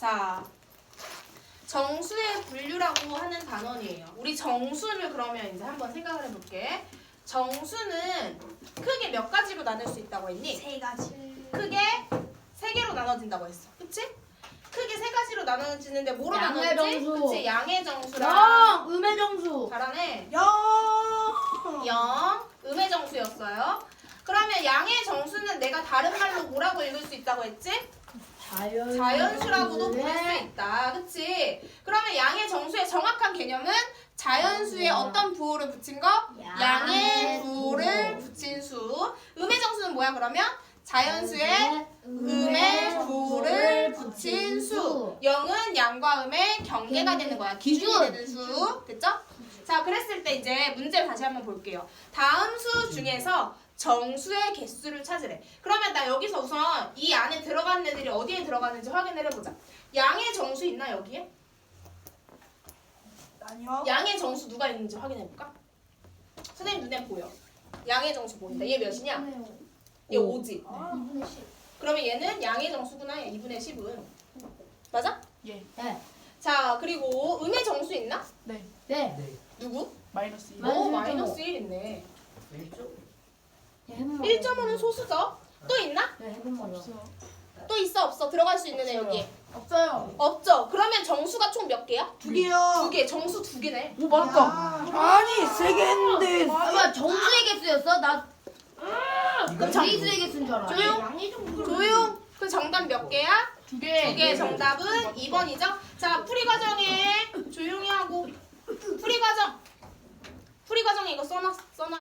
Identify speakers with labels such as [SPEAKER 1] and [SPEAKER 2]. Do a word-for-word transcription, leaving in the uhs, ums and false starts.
[SPEAKER 1] 자, 정수의 분류라고 하는 단원이에요. 우리 정수를 그러면 이제 한번 생각을 해볼게. 정수는 크게 몇 가지로 나눌 수 있다고 했니?
[SPEAKER 2] 세 가지.
[SPEAKER 1] 크게 세 개로 나눠진다고 했어. 그치? 크게 세 가지로 나눠지는데 뭐로
[SPEAKER 3] 양의
[SPEAKER 1] 나눠지지?
[SPEAKER 3] 정수.
[SPEAKER 1] 그치? 양의 정수랑
[SPEAKER 3] 영! 음의 정수.
[SPEAKER 1] 잘하네.
[SPEAKER 2] 영.
[SPEAKER 1] 영, 음의 정수였어요. 그러면 양의 정수는 내가 다른 말로 뭐라고 읽을 수 있다고 했지?
[SPEAKER 3] 자연.
[SPEAKER 1] 자연수라고도 부를 수 있다. 그치? 그러면 양의 정수의 정확한 개념은 자연수에 어떤 부호를 붙인 거? 양의 부호를 붙인 수. 음의 정수는 뭐야 그러면? 자연수에 음의 부호를 붙인 수. 영은 양과 음의 경계가 되는 거야. 기준이 되는 수. 됐죠? 자, 그랬을 때 이제 문제를 다시 한번 볼게요. 다음 수 중에서 정수의 개수를 찾으래. 그러면 나 여기서 우선 이 안에 들어간 애들이 어디에 들어가는지 확인을 해보자. 양의 정수 있나 여기에?
[SPEAKER 2] 아니요.
[SPEAKER 1] 양의 정수 누가 있는지 확인해볼까? 선생님 눈에 보여. 양의 정수 보인다. 얘 몇이냐? 얘 오지.
[SPEAKER 3] 이분의 십.
[SPEAKER 1] 그러면 얘는 양의 정수구나. 이분의 십은. 맞아?
[SPEAKER 4] 예.
[SPEAKER 3] 네.
[SPEAKER 1] 자, 그리고 음의 정수 있나?
[SPEAKER 4] 네.
[SPEAKER 3] 네.
[SPEAKER 5] 네.
[SPEAKER 1] 누구?
[SPEAKER 4] 마이너스 일.
[SPEAKER 3] 마이너스
[SPEAKER 1] 오,
[SPEAKER 3] 일 점 오.
[SPEAKER 1] 마이너스 일 있네.
[SPEAKER 5] 일 점?
[SPEAKER 3] 네, 해본
[SPEAKER 1] 일 점 오는 소수죠? 또 있나?
[SPEAKER 3] 네, 해본 말이야.
[SPEAKER 4] 없어요.
[SPEAKER 1] 또 있어 없어? 들어갈 수 있는 애 여기에.
[SPEAKER 3] 없어요.
[SPEAKER 1] 없죠? 그러면 정수가 총 몇 개야?
[SPEAKER 2] 두 개요.
[SPEAKER 1] 두 개. 정수 두 개네.
[SPEAKER 4] 오 맞다.
[SPEAKER 2] 아니 세 개 했는데.
[SPEAKER 3] 아, 뭐야, 정수의 개수였어? 나
[SPEAKER 5] 이거
[SPEAKER 3] 제이수의 개수인 줄 알아.
[SPEAKER 1] 조용.
[SPEAKER 3] 양의 정수.
[SPEAKER 1] 조용. 그 정답 몇 개야?
[SPEAKER 4] 두 개.
[SPEAKER 1] 두 개. 정답은 이 번이죠? 자, 풀이 과정에 조용히 하고 풀이 과정. 풀이 과정에 이거 써놨 써놨.